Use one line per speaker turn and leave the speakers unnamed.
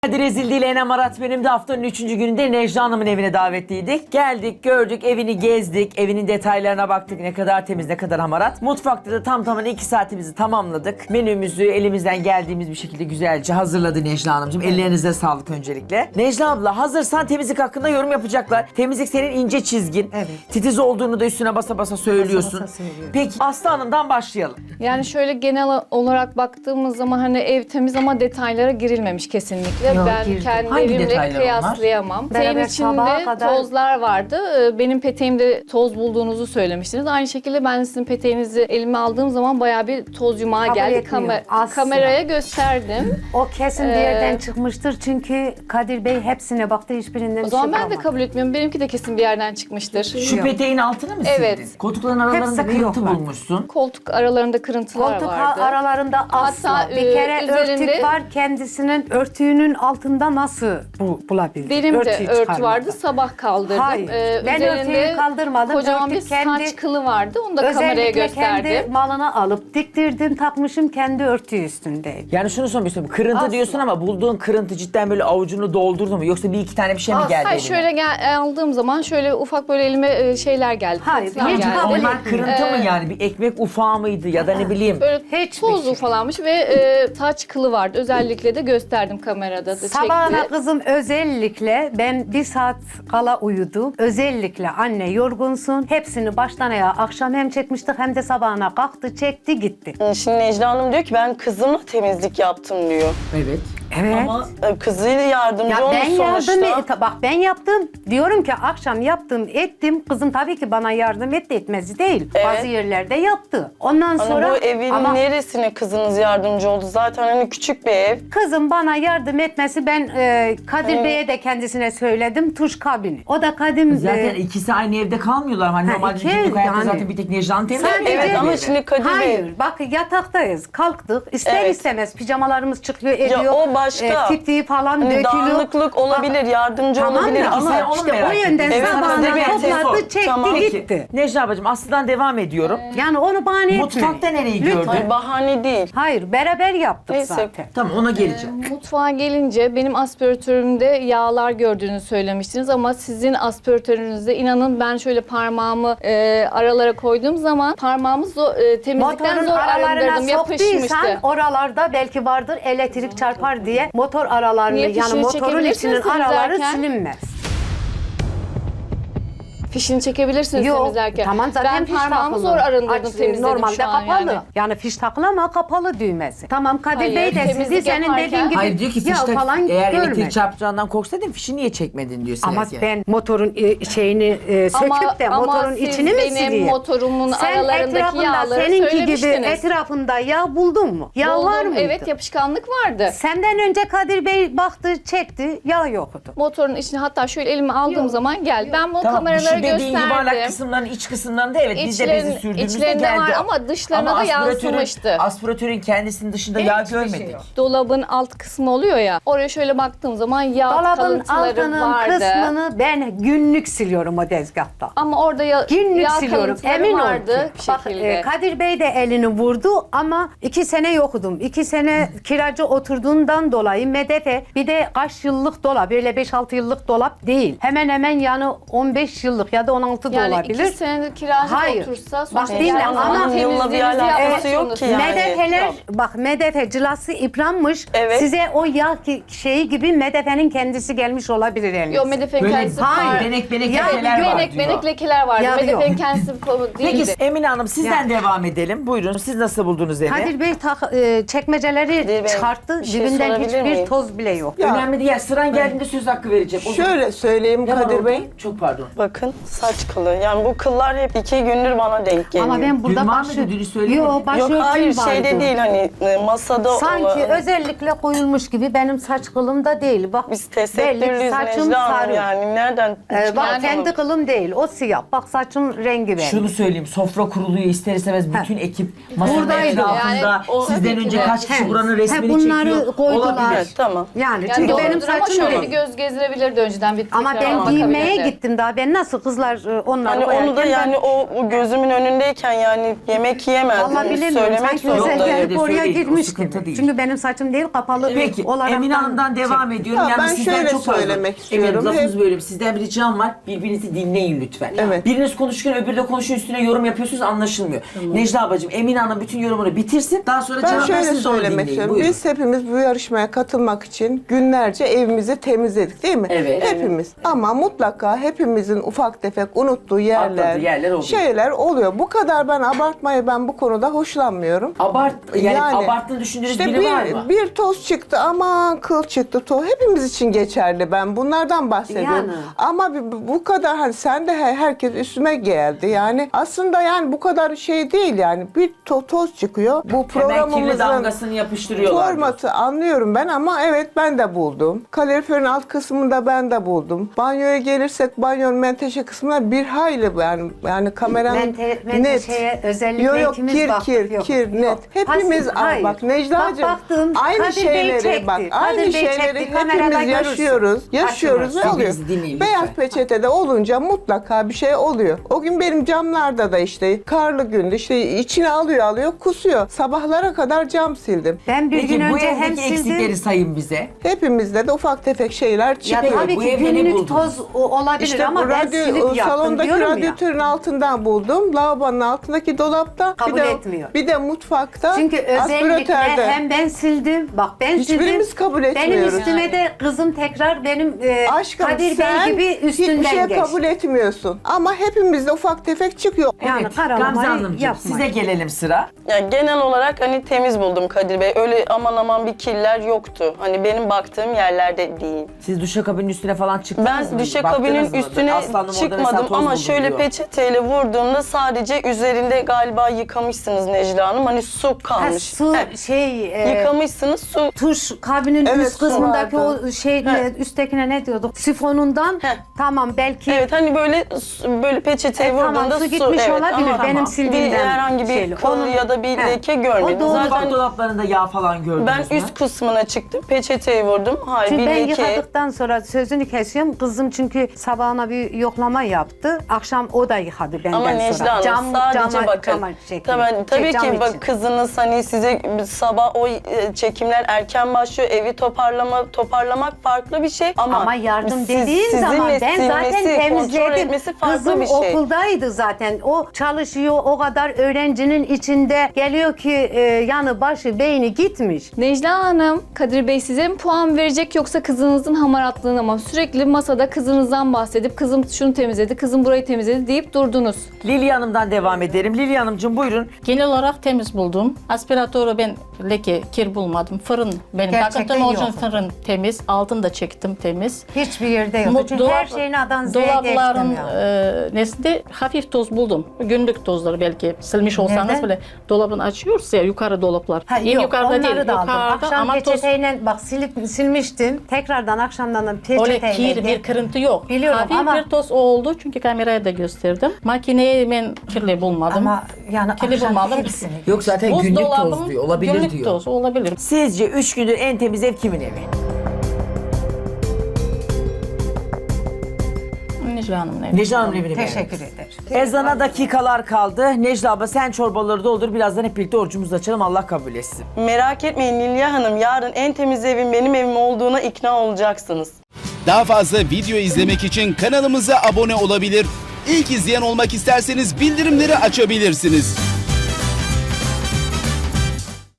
Hadi rezil değil Enem Arat benim de haftanın 3. gününde Necla Hanım'ın evine davetliydik. Geldik, gördük, evini gezdik, evinin detaylarına baktık. Ne kadar temiz, ne kadar hamarat. Mutfakta da tam tamına 2 saatimizi tamamladık. Menümüzü elimizden geldiğimiz bir şekilde güzelce hazırladı Necla Hanımcığım. Ellerinize sağlık öncelikle. Necla abla hazırsan temizlik hakkında yorum yapacaklar. Temizlik senin ince çizgin.
Evet.
Titiz olduğunu da üstüne basa basa söylüyorsun.
Basa basa söylüyorum.
Peki Aslı Hanım'dan başlayalım.
Yani şöyle genel olarak baktığımız zaman hani ev temiz ama detaylara girilmemiş kesinlikle.
Yok,
Ben
girdim.
kendi
Hangi
evimle
detaylar onlar?
kıyaslayamam. Peteğin
Beraber sabaha
içinde
kadar-
tozlar vardı. Benim peteğimde toz bulduğunuzu söylemiştiniz. Aynı şekilde ben sizin peteğinizi elime aldığım zaman bayağı bir toz yumağı
Kabul
geldi.
etmiyorum. Asla.
Kameraya gösterdim.
O kesin bir yerden çıkmıştır çünkü Kadir Bey hepsine baktı, hiçbirinden
O
bir
zaman
şey
ben de
kalmadı.
kabul etmiyorum. Benimki de kesin bir yerden çıkmıştır.
Şu
Yok.
peteğin altını mı
Evet.
sildin? Koltukların aralarında
Hepsi
kırıntı
yok var.
bulmuşsun.
Koltuk aralarında kırıntılar
Koltuk
vardı.
aralarında asla.
Hatta,
bir kere
üzerinde-
örtük var, kendisinin örtüğünün altında nasıl bulabildi?
Benim de
Örtüyü
örtü
çıkarmadı.
vardı. Sabah kaldırdım.
Hayır. Ben örtüyü kaldırmadım.
Kocaman
Örtü
bir
kendi-
saç kılı vardı. Onu da kameraya
Özellikle
gösterdim.
kendi malına alıp diktirdim, takmışım kendi örtüyü üstünde.
Yani şunu sormuştum. Kırıntı
Asla.
diyorsun ama bulduğun kırıntı cidden böyle avucunu doldurdu mu? Yoksa bir iki tane bir şey mi
Asla.
geldi
Hayır
eline?
şöyle aldığım zaman şöyle ufak böyle elime şeyler geldi.
Hayır,
tırtıklar
hiç
geldi.
kabul
Onlar
etmiyorum.
kırıntı mı yani? Bir ekmek ufağı mıydı ya da ne bileyim?
Böyle
Hiçbir
toz
şey.
ufalanmış ve saç kılı vardı. Özellikle de gösterdim kamerada da
Sabahına
çekti.
kızım özellikle ben 1 saat kala uyudum. Özellikle anne yorgunsun. Hepsini baştan ayağa akşam hem çekmiştik hem de sabahına kalktı, çekti, gitti.
Şimdi Necla Hanım diyor ki ben kızımla temizlik yaptım diyor.
Evet.
Evet.
Ama
Kızıyla yardımcı
Ya
olmuş
ben
sonuçta.
bak ben yaptım. Diyorum ki akşam yaptım, ettim. Kızım tabii ki bana yardım etti, etmezi değil.
Evet.
Bazı yerlerde yaptı. Ondan
Hani
sonra
bu evin
ama
neresine kızınız yardımcı oldu? Zaten hani küçük bir ev.
kızım bana yardım etmesi, ben Kadir Bey'e de kendisine söyledim, tuş kabini. O da Kadim
zaten ikisi aynı evde kalmıyorlar. Hani
Ha,
normalde
iki
günlük
ev
hayatta
yani.
zaten bir tek Necla'nın temizliği.
Sadece-
Evet ama şimdi Kadir Bey...
Hayır, bak yataktayız, kalktık. İster
Evet.
istemez pijamalarımız çıkıyor, ediyor.
o başka.
Titriği falan
Hani
dökülüyor.
dağınıklık olabilir, yardımcı
Tamam
olabilir
da
ama
sen onu
işte
merak
o yönden
ettim.
Evet,
sabahına
Kadir Bey,
topladı,
sor.
çekti,
Tamam.
gitti.
Necla abacığım Aslı'dan devam ediyorum.
Yani onu bahane etmeyin.
Mutfakta nereyi
Lütfen.
gördün?
Hayır, bahane değil.
Hayır, beraber yaptık
Neyse.
zaten.
Tamam ona geleceğim.
Mutfağa gelince benim aspiratörümde yağlar gördüğünü söylemiştiniz ama sizin aspiratörünüzde inanın ben şöyle parmağımı aralara koyduğum zaman parmağımı temizlikten
Motorun
zor
aralarına
arındırdım,
soktuysan
yapışmıştı.
oralarda belki vardır elektrik çarpar diye motor aralarını,
Niye?
yani
Fişini
motorun
çekebilirsiniz
içinin araları
temizlerken.
silinmez.
Fişini çekebilirsiniz
Yok,
temizlerken.
tamam zaten
ben
fiş
parmağımı
takılı.
zor arındırdım,
Aç,
temizledim
normalde
şu an
kapalı.
yani.
Yani fiş takılı ama kapalı düğmesi. Tamam Kadir
Hayır,
Bey de sizi
temizlik
senin
yaparken-
dediğin gibi
Hayır diyor ki
ya
fişte
falan
eğer
görmedi.
elektrik çarpacağından korksaydın fişi niye çekmedin diyor
Ama
Sezgin.
ben motorun şeyini söküp de motorun
siz
içini mi
benim
sileyim?
motorumun
Sen
aralarındaki
etrafında
yağları
seninki gibi
söylemiştiniz.
etrafında yağ buldun mu? Yağ
Buldum,
var mıydı?
evet, yapışkanlık vardı.
Senden önce Kadir Bey baktı, çekti, yağ yoktu.
Motorun içine hatta şöyle elime aldığım zaman geldi. Ben bunu
Tamam
kameralara
şu dediğin yuvarlak
gösterdim.
kısımların iç kısımlarında evet biz de bezi sürdüğümüzde
içlerinde
geldi.
var ama dışlarına da yansımıştı.
Aspiratörün kendisinin dışında yağ görmedik.
Dolabın alt kısmı oluyor ya. Oraya şöyle baktığım zaman yağ
Dolabın
kalıntıları
altının
vardı.
kısmını ben günlük siliyorum o tezgahta.
Ama orada
Günlük
yağ
siliyorum.
kalıntıları
Emin ol
vardı
ki.
bir
Bak
şekilde.
Kadir Bey de elini vurdu ama 2 sene yokudum. 2 sene kiracı oturduğundan dolayı medefe bir de kaç yıllık dolap, böyle 5-6 yıllık dolap değil. Hemen hemen yani 15 yıllık ya da 16 da
Yani
olabilir.
2 senedir kiracı
Hayır.
otursa
Bak
sonuçta
dinle
yani
ama
zaman
yılla bir
temizliğinizi
alakası
yapmak
yok ki yani.
Medefeler,
Yok.
bak medefe cılası yıpranmış.
Evet.
Size o yağ şeyi gibi medefenin kendisi gelmiş olabilir elinize.
Yok medefenin
Böyle
kendisi
hayır,
benek
Ya,
lekeler var
benek,
diyor.
benek lekeler vardı.
Yağ
Medefenin
yok.
kendisi konu
Peki
değildi.
Emine Hanım sizden
Ya.
devam edelim. Buyurun siz nasıl buldunuz evi?
Kadir Bey çekmeceleri
Kadir Bey,
çıkarttı.
bir şey
Dibinden
sorabilir
hiçbir
miyim?
toz bile yok.
Önemli değil. Sıran geldiğinde söz hakkı vereceğim. O zaman-
Şöyle söyleyeyim
Ne var
Kadir
orada?
Bey.
Çok pardon.
Bakın saç kılı. Yani bu kıllar hep 2 gündür bana denk geliyor.
Ama ben burada
Dün var mıydı? Dünü söylemedin.
Yok, başörtüm
Yok hayır
vardı.
şeyde değil hani masada
Sanki
olan.
özellikle koyulmuş gibi benim saç kılım da değil. Bak
Biz
belli
tesettürlüyüz
saçım
Necla Hanım
sarı.
yani nereden
Bak
Yani
kendi kılım değil. O siyah. Bak saçım rengi benim.
Şunu söyleyeyim, sofra kuruluyor ister istemez bütün ekip masanın
Buradaydı.
etrafında
Yani o-
sizden
tabii ki
önce
de.
kaç kişi
He.
buranın resmini
bunları
çekiyor.
koydular.
Olabilir.
Evet, tamam.
Yani
Yani
çünkü benim
doğrudur ama
saçım
şöyle
rengi.
bir göz gezdirebilirdi önceden bir
Ama
tekrar
ben
bakabilirdi.
giymeye gittim daha. Ben nasıl kızlar onları
Hani
koyarken
onu da yani o gözümün önündeyken yani yemek yiyemezdim.
Vallahi bilemiyorum.
Söylemek
Sanki
Yok,
özel
zorundayım.
öyle
gelip oraya
söyleyin, o
girmiş
sıkıntı
gibi.
değil.
Çünkü benim saçım değil kapalı
Peki
olarak.
Emine Hanım'dan devam ediyorum.
Ya
Yalnız
ben
sizden
şöyle
çok fazla.
söylemek
Emine Hanım,
istiyorum.
lafınız
Hep-
böyle. Sizden bir ricam var. Birbirinizi dinleyin lütfen.
Evet.
Biriniz konuşurken öbürü de konuşuyor, üstüne yorum yapıyorsunuz, anlaşılmıyor. Necla ablacığım, Emine Hanım bütün yorumunu bitirsin. Daha sonra
Ben
cevap
şöyle
versin de onu
söylemek
dinleyin.
istiyorum.
Buyurun.
Biz hepimiz bu yarışmaya katılmak için günlerce evimizi temizledik değil mi?
Evet.
Hepimiz. Ama mutlaka hepimizin ufak tefek unuttuğu yerler,
Atladığı yerler oluyor.
şeyler oluyor. Bu kadar ben abartmayı ben bu konuda hoşlanmıyorum.
Yani abarttığını düşündüğünüz
işte
biri var mı?
bir toz çıktı ama kıl çıktı toz. Hepimiz için geçerli, ben bunlardan bahsediyorum.
Yani.
Ama bu kadar hani sen de herkes üstüme geldi. Yani aslında yani bu kadar şey değil yani. Bir toz çıkıyor. Bu
Hemen kirli
programımızın
damgasını yapıştırıyorlar.
formatı anlıyorum ben ama evet ben de buldum. Kaloriferin alt kısmında ben de buldum. Banyoya gelirsek banyonun menteşe kısmında bir hayli yani kameranın
Menteşeye özellikle ikimiz baktık. Yok.
kir net.
Yok.
Hepimiz
Hayır.
bak Necla'cığım
Bak baktım,
aynı
Kadir Bey
şeyleri
çekti.
bak aynı
Kadir Bey
şeyleri
çekti, kamerada
hepimiz yaşıyoruz. Yaşıyoruz ve
Açın,
oluyor.
bizi dinleyin
Beyaz
lütfen.
peçetede olunca mutlaka bir şey oluyor. O gün benim camlarda da işte karlı gündü işte içine alıyor kusuyor. Sabahlara kadar cam sildim.
Ben bir
Peki
gün
bu
önce hem
evdeki eksikleri
sildim.
sayın bize.
Hepimizde de ufak tefek şeyler
Ya
çıkıyor.
tabii
bu
ki
evde ne
günlük
buldunuz?
toz olabilir
İşte
ama
bu
ben silip yaptım
salondaki
diyorum ya.
radyatörün altından buldum. Lavabonun altındaki dolapta.
Kabul
bir de,
etmiyor.
Bir de mutfakta.
Çünkü özellikle
aspiratörde.
hem ben sildim, bak ben
Hiçbirimiz
sildim.
kabul
Benim
etmiyoruz.
üstüme de kızım tekrar benim
Aşkım
Kadir
sen
Bey gibi üstünden
hiçbir şey
geçti.
kabul etmiyorsun. Ama hepimizde ufak tefek çıkıyor.
Yani
Evet,
karalamayı
Gamze Hanımcığım
yapmayın.
size gelelim sıra.
Yani genel olarak hani temiz buldum Kadir Bey. Öyle aman aman bir kirler yoktu. Hani benim baktığım yerlerde değil.
Siz duşakabinin üstüne falan çıktınız mı?
Ben
Baktınız
duşakabinin
mı?
üstüne
Aslanım orada mesela
çıkmadım
toz
ama
buldum
şöyle
diyor.
peçeteyle vurduğumda sadece üzerinde galiba yıkamışsınız Necla Hanım. Hani su
Ha,
kalmış.
su
Yıkamışsınız su.
tuş kabinin
Evet,
üst kısmındaki
su vardı.
o şey üsttekine ne diyorduk? Sifonundan
Heh.
tamam belki
Evet hani böyle peçeteye
tamam,
vurduğunda
su gitmiş
evet,
olabilir.
ama
Benim sildiğimden
herhangi bir
şeyli.
kıl
Onun-
ya da bir
He.
leke görmedim.
O doğru.
Zaten
Mutfak dolaplarında yağ falan gördünüz
ben
mü?
üst kısmına çıktım. Peçeteyi vurdum. Hayır
Çünkü
bir
ben
leke.
yıkadıktan sonra sözünü kesiyorum. Kızım çünkü sabahına bir yoklama yaptı. Akşam o da yıkadı benden
Ama
sonra.
Necla Hanım sadece bakın. Tabii
cam
ki bak
için.
kızınız hani size sabah o çekimler erken başlıyor. Evi toparlamak farklı bir şey.
Ama yardım
siz-
dediğin
sizinle
zaman ben zaten
silmesi, kontrol
temizledim.
etmesi farklı
Kızım
bir şey.
okuldaydı zaten. O çalışıyor, o kadar öğrencinin içinde geliyor ki yanı başı beyni gitmiş.
Necla Hanım, Kadir Bey size mi puan verecek yoksa kızınızın hamaratlığına mı? Sürekli masada kızınızdan bahsedip kızım şunu temizledi, kızım burayı temizledi deyip durdunuz.
Lili Hanım'dan devam edelim. Lili Hanımcığım buyurun.
Genel olarak temiz buldum. Aspiratörü ben leke, kir bulmadım. Fırın benim
Gerçekten
takıntım orijinal
yok.
fırın temiz. Altını da çektim temiz.
Hiçbir yerde yok. Çünkü her şeyin A'dan Z'ye
dolapların
geçtim ya.
nesinde hafif toz buldum. Günlük tozları belki silmiş olsanız
Nerede?
bile dolabın açıyoruz ya yukarı dolaplar.
Ha,
En
yok,
yukarıda
onları
değil.
da aldım.
Yukarıda
Akşam
ama toz
peçeteyle bak silmiştim. Tekrardan akşamdan da
öyle
peçeteyle.
kir bir kırıntı yok.
Biliyorum
Hafif
ama-
bir toz oldu çünkü kameraya da gösterdim. Makineyi ben kirli bulmadım.
Ama yani
kirli
akşam
bulmadım.
hepsini.
Yok zaten günlük
Buzdolabım
toz diyor. Olabilir
günlük
diyor.
toz olabilir.
Sizce 3 gündür en temiz ev kimin evi?
Necla Hanım'ın evi.
Necla Hanım'ın evini
Teşekkür
beğendiniz.
ederim.
Ezana dakikalar kaldı. Necla abla sen çorbaları doldur. Birazdan hep birlikte orucumuzu açalım. Allah kabul etsin.
Merak etmeyin Nilya Hanım. Yarın en temiz evim benim evim olduğuna ikna olacaksınız.
Daha fazla video izlemek için kanalımıza abone olabilir. İlk izleyen olmak isterseniz bildirimleri açabilirsiniz.